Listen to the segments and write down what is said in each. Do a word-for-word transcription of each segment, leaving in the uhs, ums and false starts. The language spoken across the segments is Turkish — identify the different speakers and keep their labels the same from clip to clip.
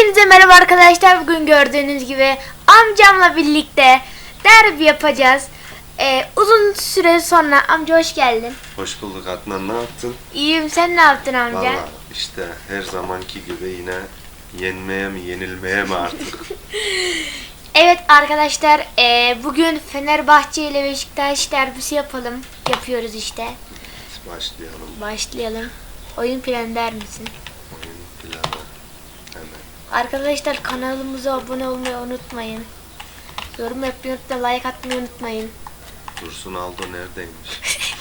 Speaker 1: Hepinize merhaba arkadaşlar. Bugün gördüğünüz gibi amcamla birlikte derbi yapacağız. Ee, uzun süre sonra amca hoş geldin.
Speaker 2: Hoş bulduk Adnan, ne yaptın?
Speaker 1: İyiyim, sen ne yaptın amca?
Speaker 2: Vallahi işte her zamanki gibi yine yenmeye mi yenilmeye mi artık?
Speaker 1: Evet arkadaşlar, e, bugün Fenerbahçe ile Beşiktaş derbisi yapalım. Yapıyoruz işte.
Speaker 2: Başlayalım.
Speaker 1: Başlayalım. Oyun planı der misin?
Speaker 2: Oyun planı hemen.
Speaker 1: Arkadaşlar kanalımıza abone olmayı unutmayın. Yorum yapmayı unutmayın, like atmayı unutmayın.
Speaker 2: Dursun Aldo neredeymiş?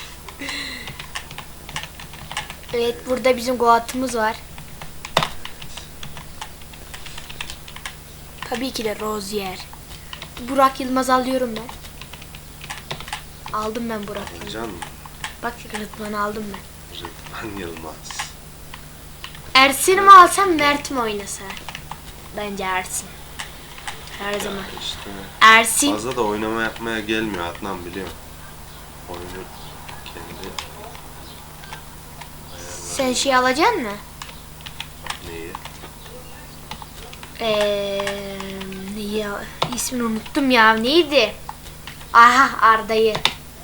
Speaker 1: Evet, burada bizim Goat'ımız var. Tabii ki de Rozier. Burak Yılmaz alıyorum ben. Aldım ben Burak Yılmaz.
Speaker 2: Alacaksın mı?
Speaker 1: Bak Rıdvan'ı aldım ben.
Speaker 2: Rıdvan Yılmaz.
Speaker 1: Ersin'i mi alsam, Mert mi oynasa? Bence Ersin. Her zaman.
Speaker 2: Ya işte
Speaker 1: Ersin.
Speaker 2: fazla da oynama yapmaya gelmiyor Adnan, biliyorum. Oyunu kendi
Speaker 1: Sen şey alacaksın mı?
Speaker 2: neyi?
Speaker 1: Eee neyi? İsmini unuttum ya. Neydi? Aha, Arda'yı.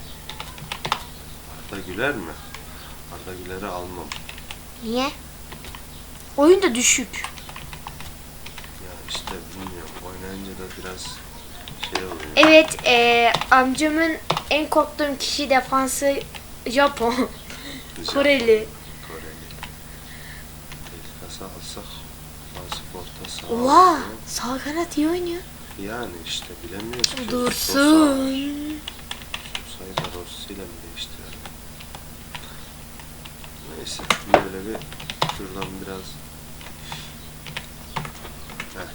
Speaker 2: Arda Güler mi? Arda Güler'i almam.
Speaker 1: Niye? Oyun da düşük.
Speaker 2: Ya işte bilmiyorum. Oynayınca da biraz şey oluyor.
Speaker 1: Evet, eee, amcamın en korktuğum kişi defansı Japon. Koreli.
Speaker 2: Koreli. Kasa alsak Fasif orta saha.
Speaker 1: Oha!
Speaker 2: alıyor.
Speaker 1: Sağ kanat iyi oynuyor.
Speaker 2: Yani işte bilemiyoruz ki.
Speaker 1: Dursun.
Speaker 2: Sosa'yı da Rossi ile mi değiştirelim? Neyse böyle bir şuradan biraz Heh.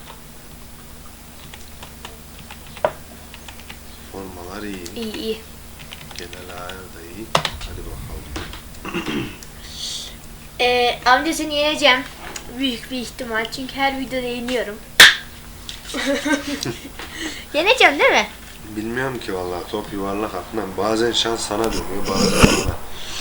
Speaker 2: Formalar iyi.
Speaker 1: İyi iyi.
Speaker 2: Genel ayar da iyi. Hadi bakalım.
Speaker 1: Ee, amca seni yeneceğim. Büyük bir ihtimal, çünkü her videoda yeniyorum. Yeneceğim değil mi?
Speaker 2: Bilmiyorum ki vallahi, top yuvarlak Adnan. Bazen şans sana dönüyor, bazen bana.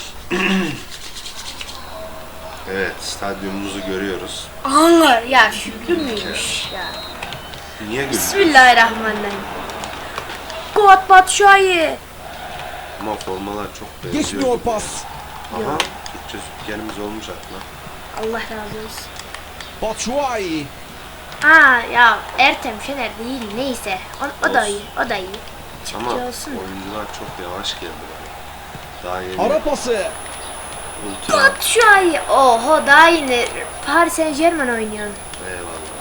Speaker 2: Evet, stadyumumuzu görüyoruz.
Speaker 1: Anlar ya, Şükrü müymüş ya.
Speaker 2: Niye gülüyorsun?
Speaker 1: Bismillahirrahmanirrahim. Goat Batshuayi.
Speaker 2: Ama formalar çok benziyor.
Speaker 3: Geçmiyor
Speaker 2: gibi.
Speaker 3: pas.
Speaker 2: Aha, Türkçe spikerimiz olmuş Adnan.
Speaker 1: Allah razı olsun.
Speaker 3: Batshuayi.
Speaker 1: Aa ya, Ertem Şener değil, neyse. O, o da
Speaker 2: Olsun.
Speaker 1: iyi, o da iyi.
Speaker 2: Ama
Speaker 1: Çıkıcı olsun da.
Speaker 2: oyuncular çok yavaş geldi bana. Daha yeni
Speaker 3: Ara pası.
Speaker 2: ultra.
Speaker 1: Batshuayi. Oho, daha yeni Paris Saint Germain oynuyor.
Speaker 2: Eyvallah.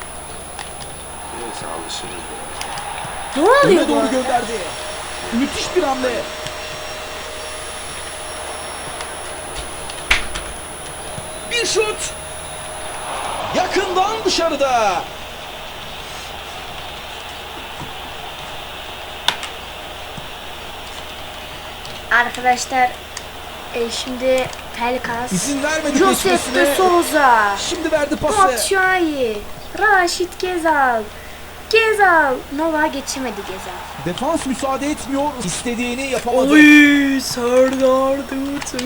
Speaker 2: Neyse alışırız.
Speaker 1: Ne oluyor
Speaker 3: Öne
Speaker 1: bu?
Speaker 3: doğru gönderdi. Müthiş bir hamle. Bir şut. Yakından dışarıda.
Speaker 1: Arkadaşlar, e, şimdi Pelkas,
Speaker 3: İzin vermedi
Speaker 1: Josef de
Speaker 3: geçmesine.
Speaker 1: Souza,
Speaker 3: Şimdi verdi pası.
Speaker 1: Batshuayi, Raşit Gezal, Gezal, Nova geçemedi Gezal.
Speaker 3: Defans müsaade etmiyor. İstediğini yapamadı.
Speaker 1: Oy, Serdar Dursun.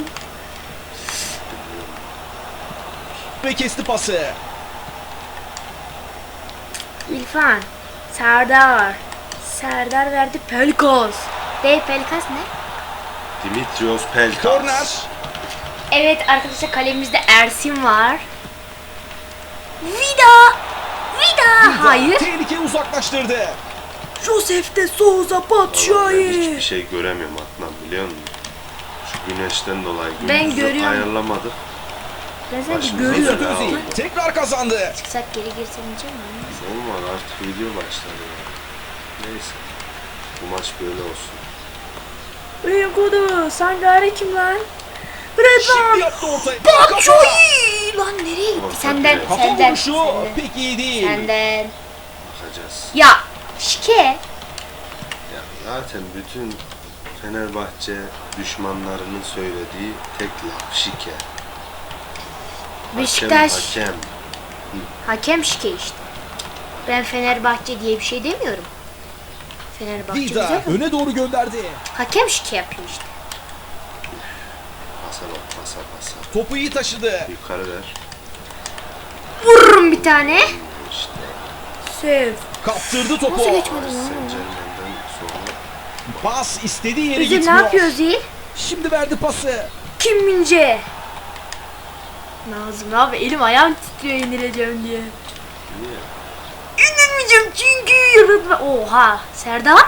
Speaker 3: Ve kesti pası.
Speaker 1: İrfan, Serdar, Serdar verdi Pelkas. Değil, Pelkas ne?
Speaker 2: Dimitrios Pelkas.
Speaker 3: Korner.
Speaker 1: Evet arkadaşlar, kalemizde Ersin var. Vida, Vida, hayır.
Speaker 3: Tehlike uzaklaştırdı.
Speaker 1: Josef de Souza,
Speaker 2: Vallahi ben
Speaker 1: Batshuayi.
Speaker 2: hiçbir şey göremiyorum Adnan, biliyor musun? Şu güneşten dolayı
Speaker 1: Ben
Speaker 2: gündüzü
Speaker 1: görüyorum.
Speaker 2: ayarlamadık.
Speaker 1: Ben sanki
Speaker 2: Başımıza
Speaker 1: görüyorum.
Speaker 2: bela
Speaker 3: Mesut Özil
Speaker 2: oldu.
Speaker 3: tekrar kazandı.
Speaker 1: Çıksak geri girsem diyeceğim mi?
Speaker 2: Olmadı, artık video başladı ya. Neyse. Bu maç böyle olsun.
Speaker 1: Rengodu, Sangare kim lan?
Speaker 3: Şimdi
Speaker 1: Rıdvan,
Speaker 3: yaptı ortaya. Kafa.
Speaker 1: Batshuayi. Lan nereye gitti?
Speaker 2: Orta
Speaker 1: Senden,
Speaker 2: direkt.
Speaker 3: Kafa
Speaker 1: senden,
Speaker 3: vuruşu
Speaker 1: senden.
Speaker 3: pek iyi değil.
Speaker 1: Senden.
Speaker 2: Bakacağız.
Speaker 1: Ya, şike.
Speaker 2: Ya zaten bütün Fenerbahçe düşmanlarının söylediği tek laf şike.
Speaker 1: Beşiktaş.
Speaker 2: Hakem, hakem.
Speaker 1: Hakem şike işte. Ben Fenerbahçe diye bir şey demiyorum. Fenerbahçe
Speaker 3: Vida
Speaker 1: güzel.
Speaker 3: öne doğru gönderdi.
Speaker 1: Hakem şike yapıyor işte.
Speaker 2: Pasa bak, pasa pasa.
Speaker 3: Topu iyi taşıdı.
Speaker 2: Yukarı ver.
Speaker 1: Vururum bir tane.
Speaker 2: İşte
Speaker 1: Sev.
Speaker 3: Kaptırdı topu.
Speaker 1: Nasıl geçmedi
Speaker 2: Paris
Speaker 1: lan?
Speaker 2: Saint Germain'den sonra
Speaker 3: Pas istediği yere
Speaker 1: Özil ne
Speaker 3: gitmiyor.
Speaker 1: yapıyor Özil?
Speaker 3: Şimdi verdi pası.
Speaker 1: Kim Mince? Nazım abi elim ayağım titriyor indireceğim diye.
Speaker 2: niye?
Speaker 1: İndirmeyeceğim çünkü yaratma. Oha Serdar.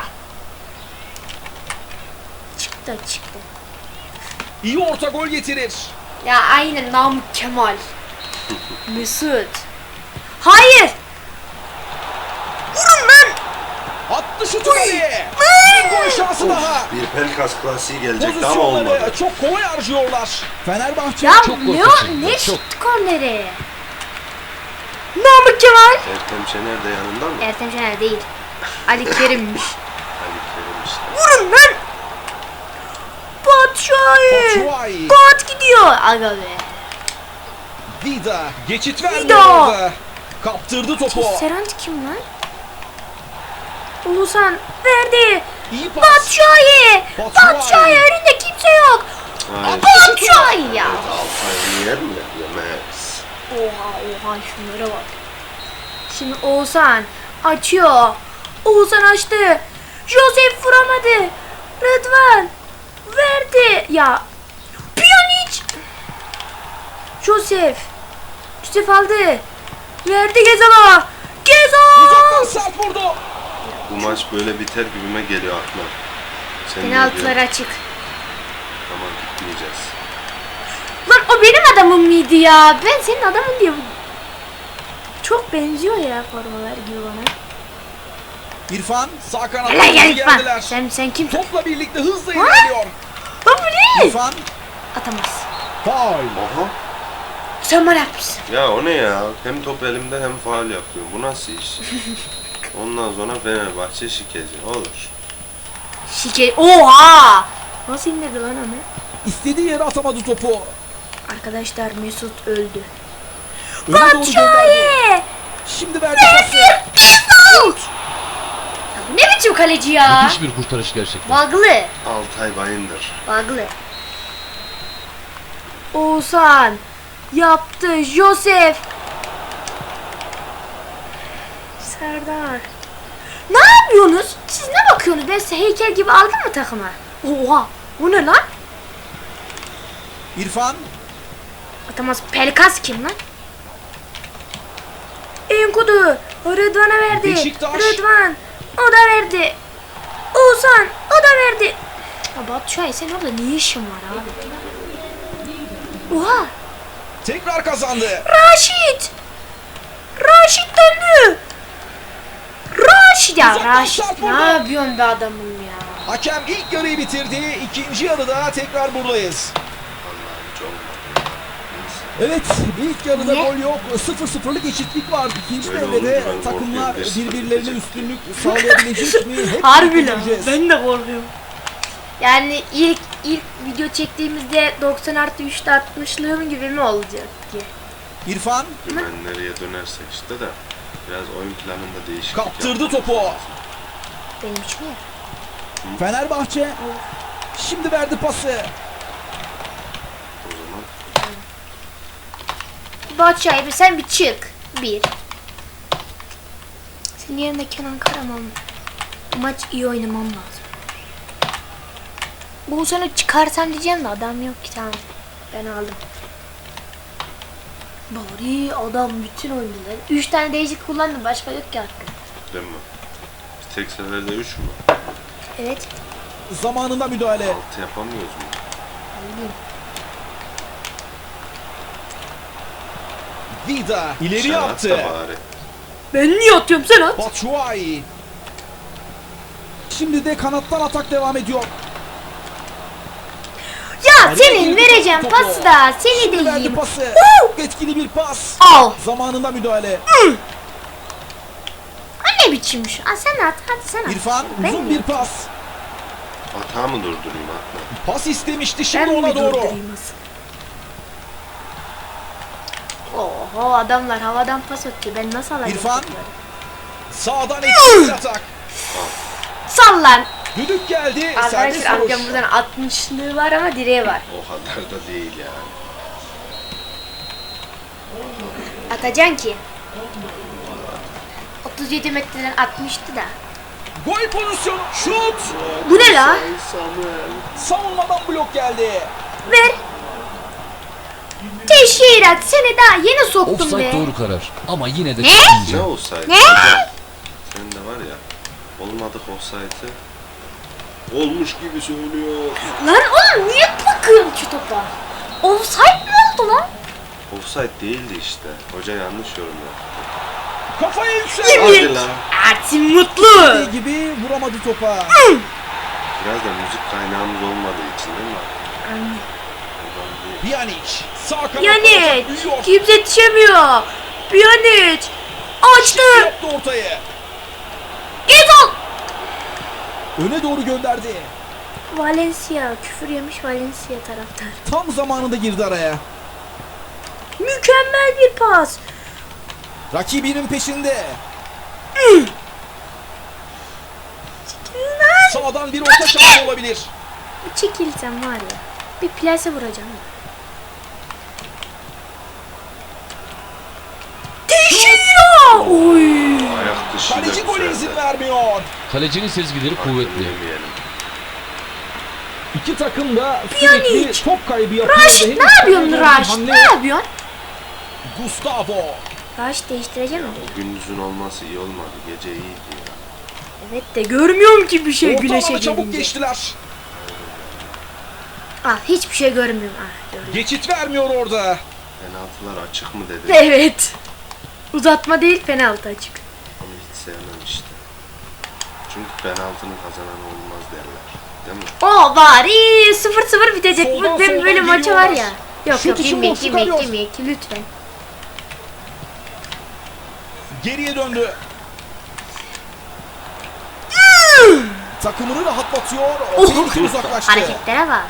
Speaker 1: Çıktı çıktı.
Speaker 3: İyi orta gol getirir.
Speaker 1: Ya aynen Namık Kemal. Mesut. Hayır. Vurun lan.
Speaker 3: Attı şutu kaleye. Bir gol şansı daha.
Speaker 2: Bir Pelkas klasiği gelecekti ama olmadı.
Speaker 3: Pozisyonları çok kolay harcıyorlar. Fenerbahçe
Speaker 1: Ya
Speaker 3: çok gol
Speaker 1: ne
Speaker 3: kaçırdı.
Speaker 1: ne
Speaker 3: Çok.
Speaker 1: şut korneri? Namık Kemal.
Speaker 2: Ertem Şener de yanında mı?
Speaker 1: Ertem Şener değil. Ali Kerim'miş.
Speaker 2: Ali Kerim işte.
Speaker 1: Vurun lan. Batshuayi.
Speaker 3: Batshuayi.
Speaker 1: Bat gidiyor. Aga be.
Speaker 3: Vida geçit vermiyor
Speaker 1: Vida.
Speaker 3: orada. Kaptırdı topu.
Speaker 1: Serant kim lan? Oğuzhan verdi.
Speaker 3: İyi pas.
Speaker 1: Batshuayi.
Speaker 3: Batshuayi.
Speaker 1: Batshuayi önünde kimse yok.
Speaker 2: Hayır.
Speaker 1: Batshuayi ya.
Speaker 2: Evet, Altay'ını yer mi? Yemez.
Speaker 1: Oha oha şunlara bak. Şimdi Oğuzhan açıyor. Oğuzhan açtı. Joseph vuramadı. Rıdvan verdi. Ya Pjanic. Joseph. Joseph aldı. Verdi Gezal'a. Gezal.
Speaker 3: Uzaktan sert vurdu.
Speaker 2: Bu maç böyle biter gibime geliyor aklıma. Sen ne
Speaker 1: Penaltılar
Speaker 2: diyorsun?
Speaker 1: açık.
Speaker 2: Tamam gitmeyeceğiz.
Speaker 1: Lan o benim adamım mıydı ya? Ben senin adamın diye. Çok benziyor ya formalar gibi bana.
Speaker 3: İrfan sağ kanattan
Speaker 1: Hele gel İrfan.
Speaker 3: geldiler.
Speaker 1: Sen sen kimsin?
Speaker 3: Topla birlikte hızla ilerliyor.
Speaker 1: Lan bu ne?
Speaker 3: İrfan
Speaker 1: Atamaz.
Speaker 3: faul.
Speaker 2: Oha.
Speaker 1: Sen bana yapmışsın.
Speaker 2: Ya o ne ya? Hem top elimde hem faul yapıyorum. Bu nasıl iş? Ondan sonra Fenerbahçe şikeci. Olur.
Speaker 1: Şike. Oha! Nasıl indirdi lan onu?
Speaker 3: İstediği yere atamadı topu.
Speaker 1: Arkadaşlar Mesut öldü.
Speaker 3: Öne doğru gönderdi.
Speaker 1: Batshuayi!
Speaker 3: Şimdi verdi pası.
Speaker 1: Şut! Ya bu ne biçim kaleci ya?
Speaker 4: Müthiş bir kurtarış gerçekten.
Speaker 1: Baglı.
Speaker 2: Altay Bayındır.
Speaker 1: Baglı. Oğuzhan yaptı. Joseph. Serdar. Ne yapıyorsunuz? Siz ne bakıyorsunuz? Ben size heykel gibi aldım mı takıma? Oha! Bu ne lan?
Speaker 3: İrfan
Speaker 1: Atamaz. Pelkas kim lan? Enkudu. Rıdvan'a verdi.
Speaker 3: Beşiktaş.
Speaker 1: Rıdvan. O da verdi. Oğuzhan. O da verdi. Ya Batshuayi sen orada ne işin var abi? Oha.
Speaker 3: tekrar kazandı.
Speaker 1: Raşit. Raşit döndü. Raşit ya
Speaker 3: Uzaktan
Speaker 1: Raşit.
Speaker 3: şart
Speaker 1: Ne
Speaker 3: vurdu.
Speaker 1: yapıyorsun be adamım ya?
Speaker 3: Hakem ilk yarıyı bitirdi. İkinci yarıda tekrar buradayız.
Speaker 2: Allah'ım hiç olmadı.
Speaker 3: Evet, ilk yarıda
Speaker 1: Niye?
Speaker 3: gol yok. sıfır sıfırlık eşitlik var. İkinci
Speaker 2: Böyle
Speaker 3: devrede
Speaker 2: olunca ben
Speaker 3: takımlar
Speaker 2: korkuyorum. Bir
Speaker 3: birbirlerine
Speaker 2: sıfır
Speaker 3: üstünlük sağlayabilecek mi? Hep
Speaker 1: Harbi
Speaker 3: birlikte
Speaker 1: lan.
Speaker 3: göreceğiz.
Speaker 1: Ben de korkuyorum. Yani ilk ilk video çektiğimizde doksan artı üçte altmışlığım gibi mi olacak ki?
Speaker 3: İrfan
Speaker 2: Ben nereye dönersek işte de biraz oyun planında değişiklik
Speaker 3: kaptırdı
Speaker 2: yapmamız
Speaker 3: topu.
Speaker 2: lazım.
Speaker 1: Benim için ya.
Speaker 3: Fenerbahçe şimdi verdi pası.
Speaker 2: O zaman
Speaker 1: Batshuayi sen bir çık. Bir. Senin yerine Kenan Karaman. Bu maç iyi oynamam lazım. Bu sene çıkarsam diyeceğim de adam yok ki tamam. Ben aldım. Bari adam bütün oyuncuları. Üç tane değişik kullandım. Başka yok ki hakkı.
Speaker 2: değil mi? Bir tek seferde üç mü?
Speaker 1: Evet.
Speaker 3: Zamanında müdahale.
Speaker 2: Altı yapamıyoruz mu?
Speaker 1: Bileyim.
Speaker 3: Vida ileri
Speaker 2: Sen at da
Speaker 3: yaptı.
Speaker 2: bari.
Speaker 1: Ben niye atıyorum sen at?
Speaker 3: Batshuayi. Şimdi de kanattan atak devam ediyor.
Speaker 1: Ya
Speaker 3: Araya
Speaker 1: senin
Speaker 3: girdi
Speaker 1: vereceğim
Speaker 3: topu.
Speaker 1: pası da seni de
Speaker 3: Şimdi verdi
Speaker 1: yiyeyim.
Speaker 3: pası.
Speaker 1: Woo!
Speaker 3: Etkili bir pas.
Speaker 1: Al.
Speaker 3: Zamanında müdahale.
Speaker 1: Ha ne biçimmiş? Ha sen at hadi sen at.
Speaker 3: İrfan
Speaker 1: Ben
Speaker 3: uzun
Speaker 1: mi?
Speaker 3: bir pas.
Speaker 2: Hata mı durdurayım atla?
Speaker 3: Pas istemişti
Speaker 1: Ben
Speaker 3: şimdi
Speaker 1: mi
Speaker 3: ona doğru.
Speaker 1: durdurayım asıl? Oho adamlar havadan pas atıyor. Ben nasıl alacağım?
Speaker 3: İrfan.
Speaker 1: topları?
Speaker 3: Sağdan etkili bir atak.
Speaker 1: Sallan.
Speaker 3: Düdük geldi. Serbest
Speaker 1: Arkadaşlar amcam
Speaker 3: vuruş.
Speaker 1: buradan altmışlığı var ama direği var.
Speaker 2: O kadar da değil yani.
Speaker 1: Atacaksın ki. otuz yedi metreden atmıştı da.
Speaker 3: Gol pozisyonu. Şut.
Speaker 1: Bu ne la?
Speaker 2: Samuel.
Speaker 3: Savunmadan blok geldi.
Speaker 1: Ver. Teşhirat seni daha yeni soktum
Speaker 4: Offside
Speaker 1: be.
Speaker 4: doğru karar ama yine de
Speaker 1: Ne?
Speaker 2: Ne
Speaker 4: çıkmayacağım.
Speaker 2: olsaydı?
Speaker 1: Ne?
Speaker 2: Senin de var ya. Olmadık olsaydı. Olmuş gibi söylüyor.
Speaker 1: Lan oğlum niye bakıyorsun şu topa? Offside mi oldu lan?
Speaker 2: Offside değildi işte. Hoca yanlış yorumladı.
Speaker 3: Kafaya yükseldi.
Speaker 2: Hadi lan.
Speaker 1: Ersin Mutlu.
Speaker 3: Dediği gibi vuramadı topa.
Speaker 2: Biraz da müzik kaynağımız olmadığı için değil mi? Oradan bir-
Speaker 3: Pjanic. Sağ kanat.
Speaker 1: Pjanic.
Speaker 3: Büyüyor.
Speaker 1: Kimse yetişemiyor. Pjanic. Açtı.
Speaker 3: Yaptı ortayı.
Speaker 1: Gezal.
Speaker 3: Öne doğru gönderdi.
Speaker 1: Valencia. Küfür yemiş Valencia taraftar.
Speaker 3: Tam zamanında girdi araya.
Speaker 1: Mükemmel bir pas.
Speaker 3: Rakibinin peşinde. Sağdan bir orta şansı olabilir.
Speaker 1: Çekilsem var ya. Bir plase vuracağım. Teşhira. Oy.
Speaker 2: Ayak dışı
Speaker 3: Kaleci
Speaker 2: da
Speaker 3: gole izin
Speaker 2: güzeldi.
Speaker 3: vermiyor.
Speaker 4: Kalecinin sezgileri
Speaker 2: Hakkını
Speaker 4: kuvvetli.
Speaker 2: yemeyelim.
Speaker 3: İki takım da
Speaker 1: Pjanic.
Speaker 3: sürekli top kaybı yapıyor.
Speaker 1: Raş
Speaker 3: ve
Speaker 1: ne
Speaker 3: henüz
Speaker 1: yapıyorsun
Speaker 3: kaleye
Speaker 1: Raş?
Speaker 3: hamle
Speaker 1: Ne
Speaker 3: yok.
Speaker 1: yapıyorsun?
Speaker 3: Gustavo.
Speaker 1: Raş değiştireceğim mi?
Speaker 2: O gündüzün olması iyi olmadı. Gece iyiydi ya.
Speaker 1: Evet de görmüyorum ki bir şey güneşe
Speaker 3: Ortalama çabuk
Speaker 1: gelince.
Speaker 3: geçtiler.
Speaker 1: Ah hiçbir şey görmüyorum. Ah gördüm.
Speaker 3: Geçit vermiyor orada.
Speaker 2: Penaltılar açık mı dedi.
Speaker 1: Evet. Uzatma değil penaltı açık.
Speaker 2: Onu hiç sevmem işte. Çünkü penaltının kazananı olmaz derler. Değil mi?
Speaker 1: O bari sıfır sıfır bitecek.
Speaker 3: Soldan
Speaker 1: Bu ben
Speaker 3: soldan
Speaker 1: böyle maça var ya.
Speaker 3: geliyorlar.
Speaker 1: Yok
Speaker 3: Şut
Speaker 1: yok
Speaker 3: için
Speaker 1: girmeyek
Speaker 3: boş
Speaker 1: girmeyek
Speaker 3: çıkarıyor.
Speaker 1: girmeyek lütfen.
Speaker 3: Geriye döndü. Takımını rahatlatıyor.
Speaker 1: Oh.
Speaker 3: Tehlike uzaklaştı.
Speaker 1: Hareketlere bak.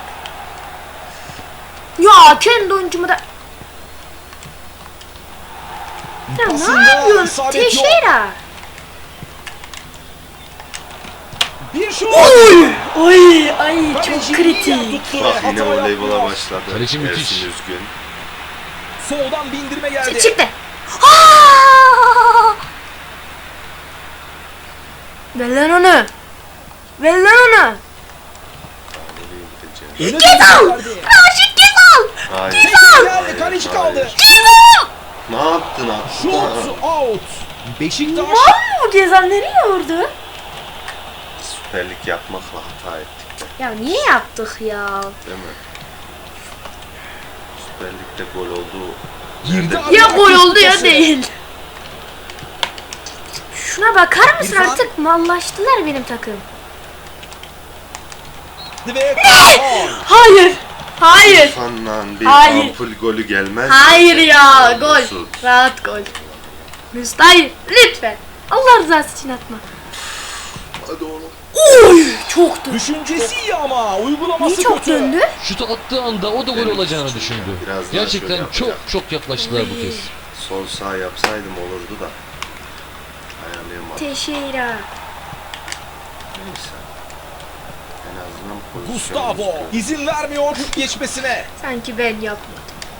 Speaker 1: Ya kendi oyuncumu da... Ya ne
Speaker 3: Pasında
Speaker 1: yapıyorsun?
Speaker 3: isabet yok.
Speaker 1: Teşeira.
Speaker 3: Bir şut.
Speaker 1: Ay ay çok
Speaker 3: Kaleci
Speaker 1: kritik.
Speaker 3: iyi tuttu.
Speaker 2: Bak yine
Speaker 3: Hata
Speaker 2: voleybola
Speaker 3: yapmıyor.
Speaker 2: başladı.
Speaker 4: Kaleci müthiş.
Speaker 2: Ersin Üzgün.
Speaker 3: Soldan bindirme geldi.
Speaker 1: Çıktı. Aa! Ver lan onu. Ver lan onu.
Speaker 2: Nereye gideceğim?
Speaker 3: Öne
Speaker 1: Gezal!
Speaker 3: doğru gönderdi.
Speaker 1: Raşit Gezal.
Speaker 2: Hayır.
Speaker 3: Tekrar geldi. Kaleci kaldı.
Speaker 1: Gezal.
Speaker 2: Ne yaptın abi?
Speaker 3: Şut out. Beşiktaş
Speaker 1: Var mı bu Gezal nereye vurdu?
Speaker 2: Süper Lig yapmakla hata ettik de.
Speaker 1: Ya niye yaptık ya?
Speaker 2: Değil mi? Süper Lig'de gol oldu.
Speaker 3: girdi.
Speaker 2: Nerede?
Speaker 1: Ya
Speaker 3: araya
Speaker 1: gol
Speaker 3: rakip
Speaker 1: oldu ya
Speaker 3: pası.
Speaker 1: değil. Şuna bakar mısın
Speaker 3: İrfan.
Speaker 1: artık mallaştılar benim takım.
Speaker 3: Ve
Speaker 1: Hayır. Hayır.
Speaker 2: İrfan'la bir
Speaker 1: Hayır.
Speaker 2: ampul golü gelmez.
Speaker 1: Hayır ya
Speaker 2: Mesut.
Speaker 1: gol. Rahat gol. Mesut hayır lütfen. Allah rızası için atma.
Speaker 2: Hadi oğlum.
Speaker 1: Oy çoktu.
Speaker 3: düşüncesi iyi ama uygulaması
Speaker 1: Niye çok
Speaker 3: kötü.
Speaker 1: döndü?
Speaker 4: Şutu attığı anda o da gol
Speaker 2: Benim
Speaker 4: olacağını
Speaker 2: suçum
Speaker 4: düşündü.
Speaker 2: ya, biraz daha
Speaker 4: Gerçekten
Speaker 2: şöyle
Speaker 4: çok
Speaker 2: yapacak.
Speaker 4: çok yaklaştılar bu kez.
Speaker 2: Sol sağ yapsaydım olurdu da. Ayarlayamadım.
Speaker 1: Teşekkür.
Speaker 2: Neyse. En azından pozisyonumuz
Speaker 3: Gustavo
Speaker 2: yok.
Speaker 3: izin vermiyor geçmesine.
Speaker 1: Sanki ben yapmadım.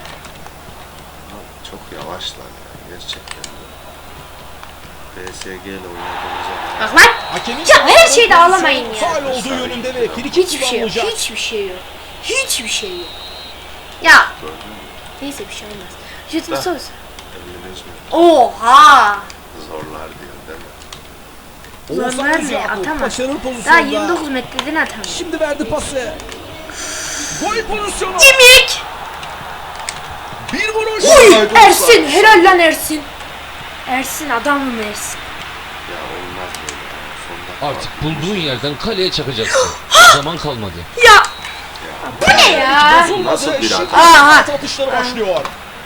Speaker 2: Çok yavaşlar ya gerçekten. P S G ile oynadığımıza
Speaker 1: Bak lan.
Speaker 3: Hakemin
Speaker 1: Ya her şeyde ağlamayın ya.
Speaker 3: faul olduğu yönünde ve frikik
Speaker 1: Hiçbir şey yok.
Speaker 3: kullanılacak.
Speaker 1: Hiçbir şey yok. Hiçbir şey yok. Ya
Speaker 2: gördün mü?
Speaker 1: neyse bir şey olmaz. Jüt mü
Speaker 2: Ha.
Speaker 1: sos?
Speaker 2: elli beş metre
Speaker 1: Oha.
Speaker 2: zorlar diyor değil mi?
Speaker 3: Oğuzhan
Speaker 1: Zorlar
Speaker 3: Özyakup
Speaker 1: ne? Atamaz.
Speaker 3: başarılı
Speaker 1: Daha
Speaker 3: pozisyonda.
Speaker 1: yirmi dokuz metreden atamıyor.
Speaker 3: Şimdi verdi pası. Gol pozisyonu.
Speaker 1: Yemek.
Speaker 3: Bir vuruş.
Speaker 1: Uy Ersin. Helal lan Ersin. Ersin adamım Ersin.
Speaker 2: Ya olmaz böyle. Sonda
Speaker 4: Artık bulduğun yerden kaleye çakacaksın. Zaman kalmadı.
Speaker 1: Ya bu ne ya?
Speaker 3: Bozulmadı.
Speaker 2: Nasıl bir
Speaker 3: Şimdi
Speaker 2: hata?
Speaker 1: Aha.
Speaker 3: penaltı atışları başlıyor.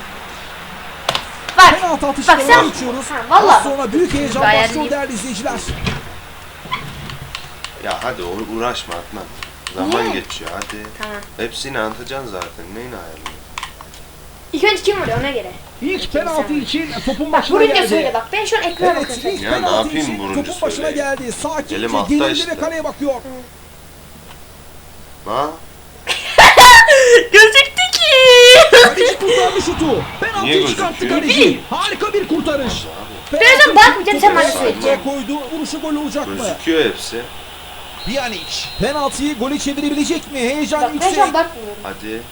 Speaker 1: Bak.
Speaker 3: Penaltı
Speaker 1: Bak
Speaker 3: atışlarına
Speaker 1: sen.
Speaker 3: geçiyoruz.
Speaker 1: Ha, vallahi.
Speaker 3: Az sonra büyük heyecan
Speaker 1: Gayet
Speaker 3: başlıyor
Speaker 1: iyi.
Speaker 3: değerli izleyiciler.
Speaker 2: Ya hadi u- uğraşma Adnan. Zaman
Speaker 1: Niye?
Speaker 2: geçiyor hadi.
Speaker 1: Tamam.
Speaker 2: Hepsini anlatacaksın zaten. Neyini ayarlıyorsun?
Speaker 1: İlk önce kim vuruyor ona göre.
Speaker 3: İlk penaltı için topun
Speaker 1: Bak
Speaker 3: başına
Speaker 1: vurunca söyle
Speaker 3: geldi.
Speaker 1: bak. Ben şu an ekrana
Speaker 3: Evet,
Speaker 1: bakıyorum.
Speaker 3: ilk
Speaker 2: Ya ne
Speaker 3: penaltı
Speaker 2: yapayım
Speaker 3: için
Speaker 2: vurunca
Speaker 3: topun başına
Speaker 2: söyleyeyim.
Speaker 3: geldi. Sakince
Speaker 2: Elim altta
Speaker 3: gerildi
Speaker 2: işte.
Speaker 3: ve kaleye bakıyor.
Speaker 2: Ha?
Speaker 1: Gözüktü ki.
Speaker 3: Kaleci kurtardı şutu.
Speaker 2: Niye
Speaker 3: Penaltıyı çıkarttı
Speaker 2: gözüküyor?
Speaker 3: kaleci. Harika bir kurtarış.
Speaker 1: Birazdan bakmayacağım, sen bana söyleyeceksin.
Speaker 3: Koydu. Vuruşu gol olacak mı?
Speaker 2: Gözüküyor hepsi.
Speaker 3: Pjanic. Penaltıyı gole çevirebilecek mi? Heyecan
Speaker 1: Bak ben
Speaker 3: yüksek.
Speaker 1: şu an bakmıyorum.
Speaker 2: Hadi.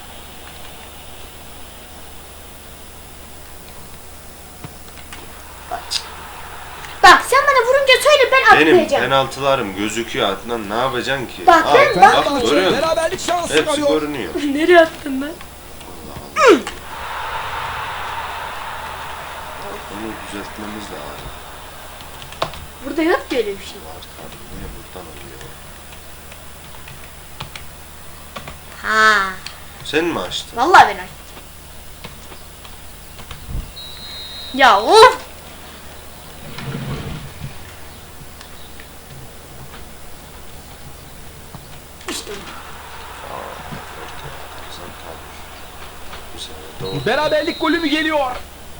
Speaker 1: Bak sen bana vurunca söyle, ben
Speaker 2: Benim
Speaker 1: atlayacağım.
Speaker 2: penaltılarım gözüküyor Adnan, ne yapacaksın ki?
Speaker 1: Bak,
Speaker 2: Aa,
Speaker 1: ben-
Speaker 2: bak,
Speaker 1: bak-
Speaker 2: görüyor musun?
Speaker 3: Beraberlik şansı
Speaker 2: Hepsi
Speaker 3: arıyor.
Speaker 2: görünüyor.
Speaker 1: Nereye attın lan?
Speaker 2: Onu düzeltmemiz lazım.
Speaker 1: Burada yok ki öyle bir şey.
Speaker 2: Var tabii. Niye buradan oluyor?
Speaker 1: Ha.
Speaker 2: Sen mi açtın?
Speaker 1: Vallahi ben açtım. Ya of. İşte bu.
Speaker 2: Sen kalmış. Bu sefer doğru.
Speaker 3: Beraberlik golü mü geliyor?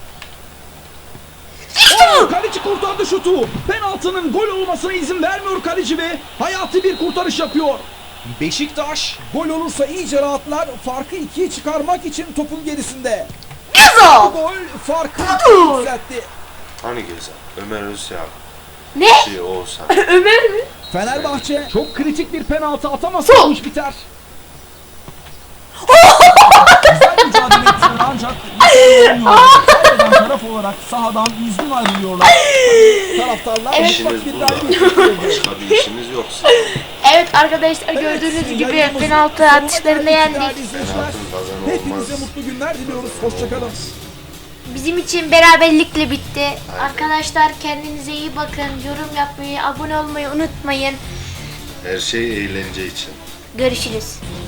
Speaker 1: İşte
Speaker 3: Oo,
Speaker 1: bu.
Speaker 3: kaleci kurtardı şutu. Penaltının gol olmasına izin vermiyor kaleci ve hayati bir kurtarış yapıyor. Beşiktaş gol olursa iyice rahatlar. Farkı ikiye çıkarmak için topun gerisinde. Bu
Speaker 1: Gezo.
Speaker 3: gol farkı
Speaker 1: Dur.
Speaker 3: yükseltti.
Speaker 2: Hani Gezen? Ömer Özyak.
Speaker 1: Ne?
Speaker 2: Şey Oğuzhan.
Speaker 1: Ömer mi?
Speaker 3: Fenerbahçe çok kritik bir penaltı atamazsa
Speaker 1: Sol.
Speaker 3: bu iş biter. Güzel mücadele ettiler ancak kaybeden taraf olarak sahadan üzgün ayrılıyorlar. Taraftarlar
Speaker 1: Evet.
Speaker 3: mutlak
Speaker 2: İşiniz
Speaker 3: bir
Speaker 2: bu
Speaker 3: galibiyet
Speaker 2: zaten.
Speaker 3: bekliyordu.
Speaker 2: Başka bir işiniz yoksa.
Speaker 1: Evet arkadaşlar, gördüğünüz gibi
Speaker 3: yayınımızın
Speaker 1: penaltı
Speaker 3: sonuna
Speaker 1: atışlarını
Speaker 3: geldik
Speaker 1: yendik.
Speaker 3: değerli izleyiciler.
Speaker 2: Penaltı kazan
Speaker 3: Hepinize
Speaker 2: olmaz.
Speaker 3: mutlu günler diliyoruz. Hoşçakalın.
Speaker 1: Bizim için beraberlikle bitti. Arkadaşlar kendinize iyi bakın. Yorum yapmayı, abone olmayı unutmayın.
Speaker 2: Her şey eğlence için.
Speaker 1: Görüşürüz.